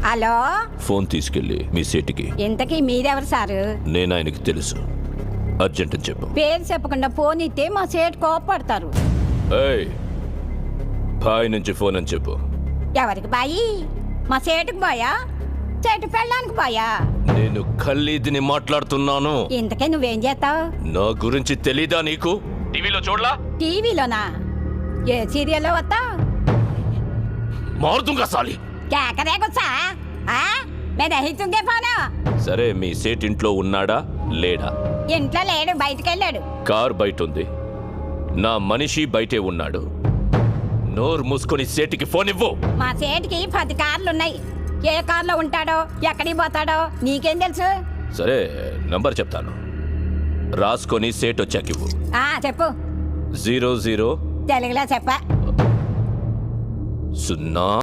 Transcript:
Hello, phone తీసుకెళ్ళి మీ సేటికి. ఇంతకీ మీరెవరు సారు? నేను ఆయనకి తెలుసు. అర్జెంట్ అని చెప్పు. పేరు చెప్పకుండా ఫోన్ ఇస్తే మా సేటు కోపడతారు. ఏయ్, బాయ్ నుంచి ఫోన్ అని చెప్పు. ఎవరికి బాయి? మా సేటుకు బాయా, చెట్టు పెళ్ళడానికి బాయా? నేను ఖల్లీదిని మాట్లాడుతున్నాను. ఇంతకే నువ్వేం చేస్తావు? నా గురించి తెలీదా నీకు? టీవీలో చూడలా? టీవీలోనా? ఏ సీరియల్లో వస్తావు? మారుతుంగా సాలి. కేకరే గుచ్చా? నేను అహితుంగే ఫోను. సరే, మీ సేట్ ఇంట్లో ఉన్నాడా లేడా? ఇంట్లో లేడు, బయటికి వెళ్ళాడు. కార్ బయట ఉంది, నా మనిషి బయటే ఉన్నాడు. నోరు మూసుకొని సేటికి ఫోన్ ఇవ్వు. మా సేటుకి 10 కార్లున్నాయి. ఏ కార్లో ఉంటాడో, ఎక్కడికి పోతాడో నీకేం తెలుసు? సరే, నంబర్ చెప్తాను, రాసుకొని సేట్ వచ్చాక ఇవ్వు. చెప్పు. 00 తెలుగులో చెప్ప. 0